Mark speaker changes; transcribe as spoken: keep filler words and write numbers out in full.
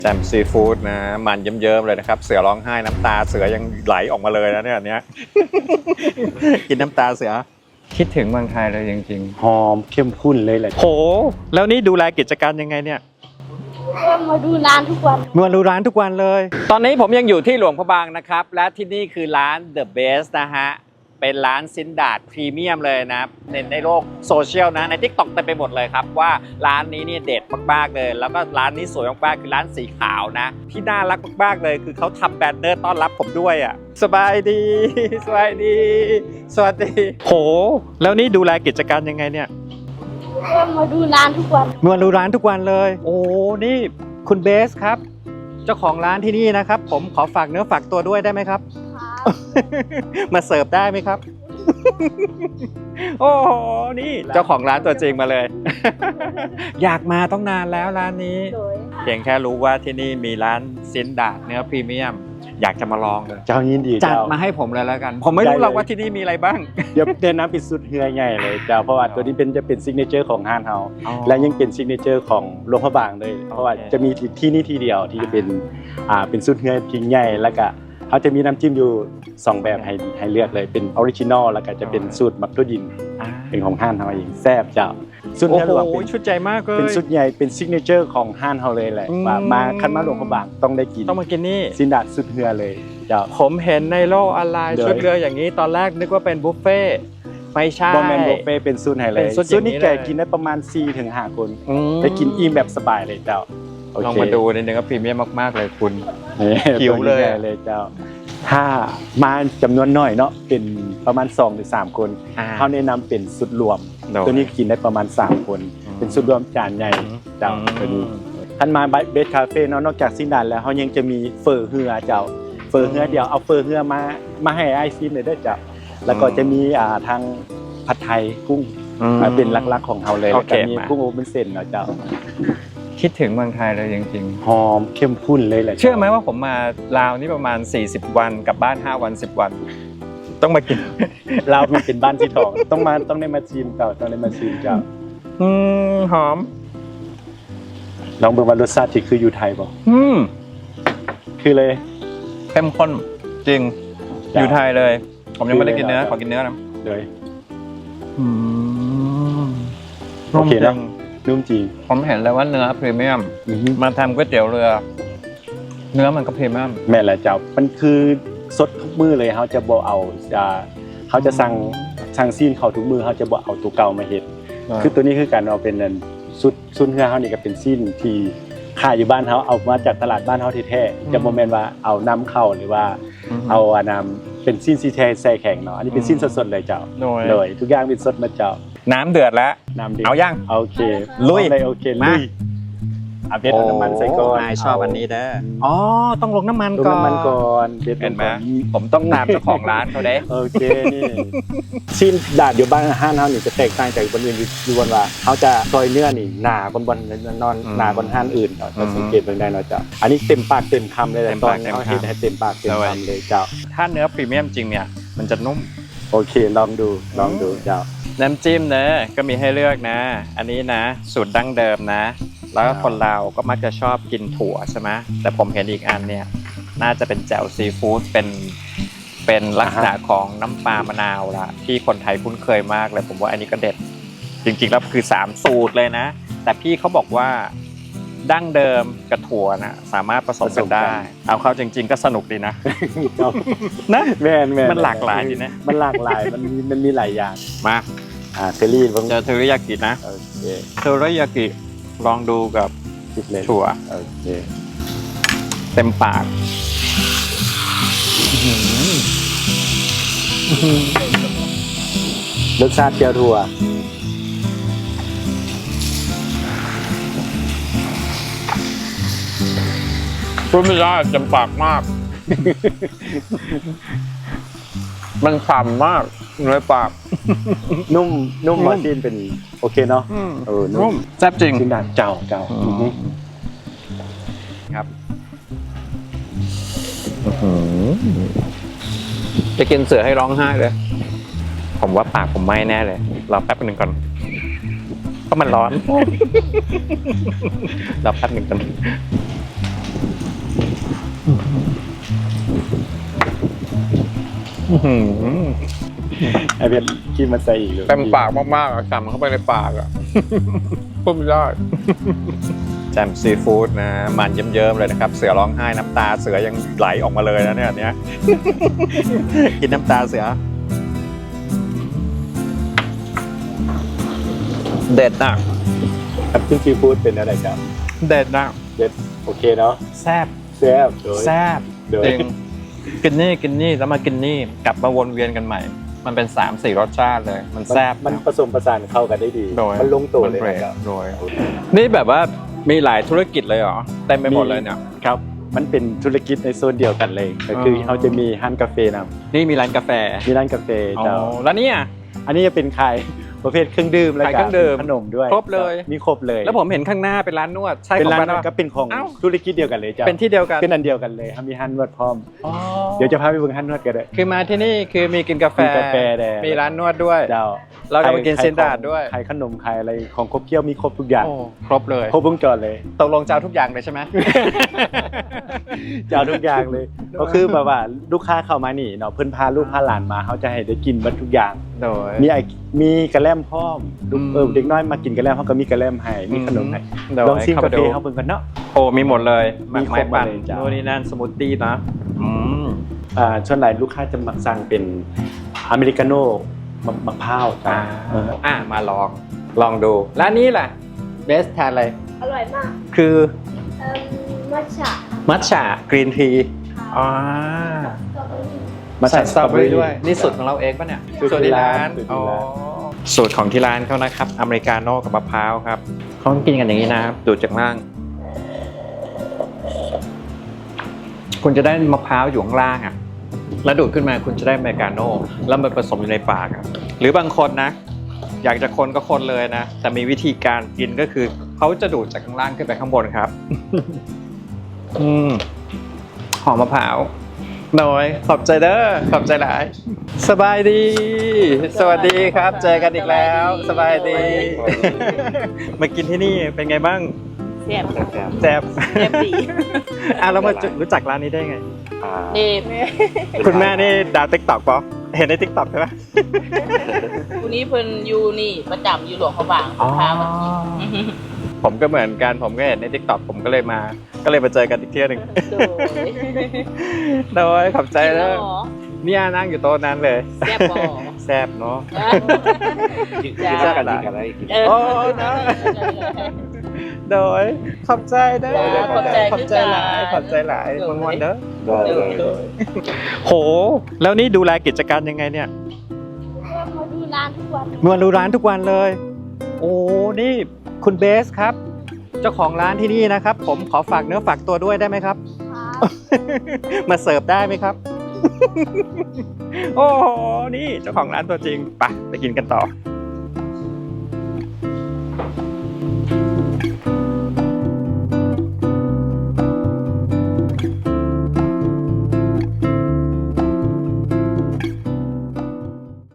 Speaker 1: แจ่มซีฟู้ดนะมันเยิ้มๆเลยนะครับเสือร้องไห้น้ำตาเสือยังไหลออกมาเลยนะเนี่ยอันเนี้ย กินน้ำตาเสือคิดถึงเมืองไทยเลยจริง
Speaker 2: หอมเข้มข้นเลยแหละ
Speaker 1: ๆโหแล้วนี่ดูแลกิจการยังไงเนี่ย
Speaker 3: ก็มาดูร้านทุกวัน
Speaker 1: มาดูร้านทุกวันเลย ตอนนี้ผมยังอยู่ที่หลวงพระบางนะครับและที่นี่คือร้าน The Best นะฮะเป็นร้านซินดาดพรีเมียมเลยนะในในโลกโซเชียลนะใน ทิกต็อก เต็มไปหมดเลยครับว่าร้านนี้เนี่ยเด็ดมากๆเลยแล้วก็ร้านนี้สวยมากๆคือร้านสีขาวนะที่น่ารักมากๆเลยคือเขาทำแบนเนอร์ต้อนรับผมด้วยอ่ะสบายดีสบายดีสวัสดีโหแล้วนี่ดูแลกิจการยังไงเนี่ย
Speaker 3: ก็มาดูร้านทุกวัน
Speaker 1: มาดูร้านทุกวันเลย โอ้นี่คุณเบสครับเจ้าของร้านที่นี่นะครับผมขอฝากเนื้อฝากตัวด้วยได้ไหมครับ มาเสิร์ฟได้ไหมครับ โอ้โหนี่เจ้าของร้านตัวจริงมาเลย อยากมาต้องนานแล้วร้านนี้
Speaker 3: โดย
Speaker 1: เพียงแค่รู้ว่าที่นี่มีร้านซินดาดเนื้อพรีเมียม อยากจะมาลองเลย
Speaker 2: เจ้ายินดี
Speaker 1: จัด
Speaker 2: เจ้า
Speaker 1: มาให้ผมเลยแล้วกัน ผมไม่รู้หรอกว่าที่นี่มีอะไรบ้าง
Speaker 2: เดี๋ยวเดินน้ำปิดสุดเฮือใหญ่เลยเจ้าเพราะว่าตัวนี้เป็นจะเป็นซิกเนเจอร์ของห้านเฮาและยังเป็นซิกเนเจอร์ของหลวงพระบางเลยเพราะว่าจะมีที่นี่ที่เดียวที่จะเป็นอ่าเป็นสุดเฮือพิงใหญ่แล้วก็เขาจะมีน้ำจิ้มอยู่สองแบบให้ให้เลือกเลยเป็นออริจินอลแล้วก็จะเป็นสูตรมักตัวดินเป็นของห้านเฮาเองแซ่บเจ้าสุด
Speaker 1: โอ้
Speaker 2: เฮือ
Speaker 1: โห
Speaker 2: หลวงเป็น
Speaker 1: ชุดใจมากเลย
Speaker 2: เป็นสุดใหญ่เป็นซิกเนเจอร์ของห้านเฮาเลยแหละ
Speaker 1: อืม
Speaker 2: ว่ามาคันมาหลวงพระบางต้องได้กิน
Speaker 1: ต้องมากินนี่
Speaker 2: ซินดาดสุดเฮือเลยเจ้า
Speaker 1: ผมเห็นในโลกออนไลน์
Speaker 2: เดี๋ยว
Speaker 1: ชุดเรืออย่างนี้ตอนแรกนึกว่าเป็นบุฟเฟ่ต์ไม่ใช่
Speaker 2: บอมแมนบุฟเฟ่เป็นซุนไฮเล
Speaker 1: เป็
Speaker 2: ย
Speaker 1: นซุนอย่างนี้
Speaker 2: ซุนนี่แก
Speaker 1: เลย
Speaker 2: กินได้ประมาณ สี่ถึงห้า คน
Speaker 1: อืม
Speaker 2: ได้กินอิ่มแบบสบายเลยเจ้าโอ
Speaker 1: ลอง
Speaker 2: เค
Speaker 1: มาดูนิดนึงก็พรีเมียมมากๆเลยคุณ
Speaker 2: นี่
Speaker 1: หิวเลย
Speaker 2: ตัวใหญ่เลยเจ้า ถ้ามาจำนวนน้อยเนาะเป็นประมาณ สองถึงสาม คน
Speaker 1: อ่า
Speaker 2: เขาแนะนำเป็นสุดรวม
Speaker 1: โดย
Speaker 2: ตัวนี้กินได้ประมาณ สาม คน
Speaker 1: อืม
Speaker 2: เป็นสุดรวมจานใหญ่เจ้า
Speaker 1: อืม
Speaker 2: ตัวนี้ท่านมาเบสคาเฟ่เนาะนอกจากซินดานแล้วเขายังจะมีเฟอร์เฮือเจ้าเฟอร์เฮือเดียวเอาเฟอร์เฮือมามาให้ไอซิมเลยเด้อเจ้าแล้วก็จะมีอ่าทางผัดไทยกุ้ง
Speaker 1: อืม
Speaker 2: อ่าเป็นหลักๆของเขาเลย
Speaker 1: โอ
Speaker 2: แล้ว
Speaker 1: เค
Speaker 2: ก็มี
Speaker 1: มา
Speaker 2: กุ้งโอเปนเส้นเนาะเจ้า
Speaker 1: คิดถึงเมืองไทยเลยจริง
Speaker 2: หอมเข้มข้นเลยแหละ
Speaker 1: ๆ เชื่อไหมว่าผมมาลาวนี่ประมาณสี่สิบวันกลับบ้านห้าวันสิบวัน ต้องมากิน
Speaker 2: เรามันเป็นบ้านที่ทองต้องมาต้องได้มาชิมเจ้าต้องได้มาชิมเจ้า
Speaker 1: อืมหอม
Speaker 2: ลองเบิ่งว่ารสชาติที่คืออยู่ไทยบ่
Speaker 1: อืม
Speaker 2: คือเลย
Speaker 1: เข้มข้นจริง
Speaker 2: จ้ะ
Speaker 1: อยู่ไทยเลย ผมยังไม่ได้กินเนื้อ
Speaker 2: คือเลย
Speaker 1: ขอกินเนื้อนะ
Speaker 2: เลย
Speaker 1: อืม
Speaker 2: โอเค
Speaker 1: นุ่ม
Speaker 2: นะ
Speaker 1: จัง
Speaker 2: นุ่มจริง
Speaker 1: ผมเห็นเลยว่าเนื้อพรีเมียม
Speaker 2: อือฮึ
Speaker 1: มาทำก๋วยเตี๋ยวเรือ เนื้อมันก็พรีเมียม
Speaker 2: แม่นแหละเจ้ามันคือสดทุกมื้อเลยเขาจะบ่เอาจะเขาจะสั่งสั่งซีนเขาทุกมื้อเขาจะบ่เอาตัวเก่ามาเฮ็ดคือตัวนี้คือการเอาเป็นนั่นสุดซุนเฮือเฮานี่ก็เป็นซีนที่ขายอยู่บ้านเฮาเอามาจากตลาดบ้านเฮาแท้ๆจะบ่แม่นว่าเอานำเข้าหรือว่า เอาอันนำเป็นซีนซีแท้ใส่แข็งเนาะอันนี้เป็นซีนสดๆเลยเจ้า
Speaker 1: โดย
Speaker 2: เลยทุกอย่างเป็นสดมาเจ้า
Speaker 1: น้ำเดือดแล้ว
Speaker 2: น้ำดิบ
Speaker 1: เอายัง
Speaker 2: โอเค
Speaker 1: ลุย
Speaker 2: เลยโอเค
Speaker 1: มา
Speaker 2: ลุยเอาเบ็ดเอาน้ำมันใส่ก่อน
Speaker 1: นายชอบอันนี้เด้ออ๋อต้องลงน้ำมัน
Speaker 2: ลง
Speaker 1: ก่อน
Speaker 2: น้ำมันก่อนเบ็ดล
Speaker 1: เห็น
Speaker 2: ง
Speaker 1: ไหม
Speaker 2: ก่อน
Speaker 1: ผมต้องตามเจ้าของร้านเขาเด้
Speaker 2: โอเคนี่ชิ้นดาดอยู่บ้านห้านเฮานี่จะแตกต่างจากบนอื่นอยู่บนว่าเขาจะซอยเนื้อนี่หนาบนบนนอนหนาบนห้านอื่นเนาะเราสังเกตเบิ่งได้เนาะเจ้าอันนี้เต็มปากเต็มคำเลยแหละตอนเขาเห็นให้เต็มปากเต็มคำเลยเจ้า
Speaker 1: ถ้าเนื้อพรีเมียมจริงเนี่ยมันจะนุ่ม
Speaker 2: โอเคลองดูลองดูเจ้า
Speaker 1: น้ำจิ้มเนอะก็มีให้เลือกนะ อันนี้นะ สูตรดั้งเดิมนะ แล้วก็คนเราก็มักจะชอบกินถั่วใช่ไหมแต่ผมเห็นอีกอันเนี่ยน่าจะเป็นแจ่วซีฟู้ดเป็นเป็นลักษณะของน้ำปลามะนาวละที่คนไทยคุ้นเคยมากเลยผมว่าอันนี้ก็เด็ดจริงๆแล้วคือสามสูตรเลยนะ แต่พี่เขาบอกว่าดั้งเดิมกับถั่วนะสามารถผสมกันได้ เอาเข้าจริง ๆ ก็สนุกดีนะ นะ
Speaker 2: แม่นแม่น
Speaker 1: มันหลากหลายดีนะ
Speaker 2: มันหลากหลายมันมีมันมีหลายอย่าง
Speaker 1: มา
Speaker 2: อ่าเทรี่เบิ่ง
Speaker 1: เจอเทอริยากินะ
Speaker 2: โอเค
Speaker 1: เทอริยากิลองดูกับ
Speaker 2: ติดเลย
Speaker 1: ถั่ว
Speaker 2: โอเค
Speaker 1: เต็มปาก
Speaker 2: รสชาติเจียวถั่ว
Speaker 1: พูดไม่ได้เต็มปากมาก มันฉ่ำมากในปาก
Speaker 2: นุ่มนุ่ม
Speaker 1: นุ่ม
Speaker 2: หวานจีนเป็นโอเคเนาะเออนุ่ม
Speaker 1: แซ่บจริง
Speaker 2: ชิ้นดาดเจ้าเจ้า
Speaker 1: อืม
Speaker 2: อือฮึ
Speaker 1: ครับจะกินเสือให้ร้องไห้เลย ผมว่าปากผมไหม้แน่เลยรอแป๊บหนึ่งก่อนเพราะมันร้อน รอแป๊บหนึ่งก่อนอื้อหือ
Speaker 2: ไอเพชรกินมันใส่อีกเลย
Speaker 1: เต็มปากมากๆอะจำเข้าไปในปากอะ พูดไม่ได้แจ่มซีฟู้ดนะมันเยิ้มๆเลยนะครับเสือร้องไห้น้ำตาเสือยังไหลออกมาเลยนะเนี่ยอันเนี้ย กินน้ำตาเสือเด็ดนะ
Speaker 2: ครับซึ่งซีฟู้ดเป็นอะไรครับ
Speaker 1: เด็ดนะ
Speaker 2: เด็ดโอเคเนาะ
Speaker 1: แซ่บ
Speaker 2: แซ่บโดย
Speaker 1: แซ่บ
Speaker 2: โดย
Speaker 1: จริงกินนี่กินนี่แล้วมากินนี่กลับมาวนเวียนกันใหม่ มันเป็นสามสี่รสชาติเลย มันแซ่บ
Speaker 2: มัน
Speaker 1: นะ
Speaker 2: ผสมผสานเข้ากันได้ดี
Speaker 1: โดย
Speaker 2: มันลงตัว
Speaker 1: มัน
Speaker 2: เลย
Speaker 1: เบรก
Speaker 2: นะครับ
Speaker 1: โดยนี่แบบว่ามีหลายธุรกิจเลยเหรอเต็มไปหมดเลยเนี่ย
Speaker 2: ครับ มันเป็นธุรกิจในโซนเดียวกันเลยก็คือ
Speaker 1: อ๋อ
Speaker 2: เขาจะมีร้านกาแฟนะ
Speaker 1: นี่มีร้านกาแฟ
Speaker 2: มีร้านกาแฟ
Speaker 1: อ๋อ
Speaker 2: เจ้า
Speaker 1: แล้วเนี่ย
Speaker 2: อันนี้จะเป็นขายประเภทเครื่องดื่มแล้ว
Speaker 1: ขาย
Speaker 2: ก็
Speaker 1: เครื่องดื่ม
Speaker 2: ขนมด้วย
Speaker 1: ครบเลย
Speaker 2: มีครบเลย
Speaker 1: แล้วผมเห็นข้างหน้าเป็นร้านนวดใช่
Speaker 2: เป็น
Speaker 1: ของ
Speaker 2: ร้าน
Speaker 1: บ้าน
Speaker 2: นั้น
Speaker 1: ปะ
Speaker 2: ก็เป็นของ
Speaker 1: เอ้า
Speaker 2: ธุรกิจเดียวกันเลยเจ้า
Speaker 1: เป็นที่เดียวกัน
Speaker 2: เป็นอันเดียวกันเลยครับมีร้านนวดพร้อม
Speaker 1: อ๋อ
Speaker 2: เดี๋ยวจะพาไปเบิ่งร้านนวดกันเลย
Speaker 1: คือมาที่นี่คือมีกินกาแฟ
Speaker 2: กินกาแฟแดง
Speaker 1: มีร้านนวดด้วย
Speaker 2: เจ้า
Speaker 1: เราก็มากิน
Speaker 2: ขาย
Speaker 1: เซนดาร์ดด้วย
Speaker 2: ขายขนมขายอะไรของครบเคี้ยวมีครบทุกอย่าง
Speaker 1: โอ้ครบเลย
Speaker 2: ครบวงจรเลย
Speaker 1: ตกลงจะเอาทุกอย่างเลยใช่ไหม
Speaker 2: จะเอาทุกอย่างเลย ก็คือแบบว่าลูกค้าเข้ามานี่เนาะเพิ่นพาลูกพาหลานมาเขาจะให้ได้กินเบัดทุกอย่าง
Speaker 1: โดย
Speaker 2: มีไอมีกระแลมพร้อมลูก
Speaker 1: อืม
Speaker 2: เออเด็กน้อยมากินกระแลมเขาก็มีกระแลมให้มีขนมให้
Speaker 1: โดย
Speaker 2: ลองชิม
Speaker 1: เข้
Speaker 2: กาแฟ
Speaker 1: ไปดู
Speaker 2: เขาเบิ่งกันเนาะ
Speaker 1: โอ้มีหมดเลยห
Speaker 2: มี
Speaker 1: มาก
Speaker 2: คร
Speaker 1: ไม้
Speaker 2: บหมด
Speaker 1: ปั่น
Speaker 2: เลยจ้ะ
Speaker 1: โน่นนี่นั่นสมูทตี้นะอืม
Speaker 2: อ่าส่วนใหญ่ลูกค้าจะมักสั่งเป็นอเมริกาโน่มะมะพร้าวจ้ะ
Speaker 1: อ่า
Speaker 2: เออ
Speaker 1: อ่ามาลองลองดูแล้วอันนี้ล่ะเบสทานอะไร
Speaker 3: อร่อยมาก
Speaker 1: คือ
Speaker 3: เอ่อมัทฉะ
Speaker 1: มัทฉะกรีนทีอ๋อ
Speaker 3: สตรอเบอรี่
Speaker 2: มา
Speaker 1: ใส่สตรอเบอรี่ด้วย นี่สูตรของเราเองป่ะเนี่ย
Speaker 2: สูตรที่ร้านสูตรที่
Speaker 1: อ๋อ
Speaker 2: ร้าน
Speaker 1: สูตรของที่ร้านเขานะครับ อเมริกาโน่กับมะพร้าวครับเขากินกันอย่างนี้นะครับดูดจากล่าง คุณจะได้มะพร้าวอยู่ข้างล่างอ่ะ แล้วดูดขึ้นมาคุณจะได้อเมริกาโน่แล้วมันผสมอยู่ในปากอะหรือบางคนนะ อยากจะคนก็คนเลยนะ แต่มีวิธีการกินก็คือเขาจะดูดจากข้างล่างขึ้นไปข้างบนครับ อืมหอมมะพร้าวหน่อยขอบใจเด้อขอบใจหลาย สบายดี สวัสดีครับ เจอกันอีกแล้ว สบายดี มากินที่นี่เป็นไงบ้าง
Speaker 4: แซ่บ
Speaker 1: แซ่บ
Speaker 4: แซ่บดี
Speaker 1: อ่ะเรามารู้จักร้านนี้ได้ไง
Speaker 4: นี่
Speaker 1: คุณแม่นี่ดาวติ๊กต็อกปะเห็นในติ๊กต็อกใช่ไหม
Speaker 4: ผู้นี้เพิ่นอยู่นี่ประจำอยู่หลวงพระบางพามากิน
Speaker 1: ผมก็เหมือนกันผมก็เห็นในติ๊กต็อกผมก็เลยมา ก็เลยมาเจอกันอีกเที่ยวหนึ่ง
Speaker 4: โดย
Speaker 1: โดยขอบใจแล้ว
Speaker 4: กินหรอ
Speaker 1: เนี่ยนั่งอยู่โต๊ะนั้นเลย
Speaker 4: แซ่บบ่
Speaker 1: แซ่บเนาะ
Speaker 4: จ้า
Speaker 1: แซ่บกันอะไร
Speaker 4: เออ
Speaker 1: โอ้นะโดยขอบใจเด้อ
Speaker 4: จ้าขอบใจ
Speaker 1: ขอบใจหลาย
Speaker 4: คือกัน
Speaker 1: ขอบใจหลาย
Speaker 4: โดย
Speaker 1: มวนๆเด้อ
Speaker 4: โดยโดย
Speaker 1: โห แล้วนี่ดูแลกิจการยังไงเนี่ย
Speaker 3: ก็มาดูร้านทุกวัน
Speaker 1: มาดูร้านทุกวันเลย โอ้นี่คุณเบสครับ เจ้าของร้านที่นี่นะครับ ผมขอฝากเนื้อฝากตัวด้วยได้ไหมครับ
Speaker 3: ครับ
Speaker 1: มาเสิร์ฟได้ไหมครับ โอ้โห นี่เจ้าของร้านตัวจริง ไปไปกินกันต่อ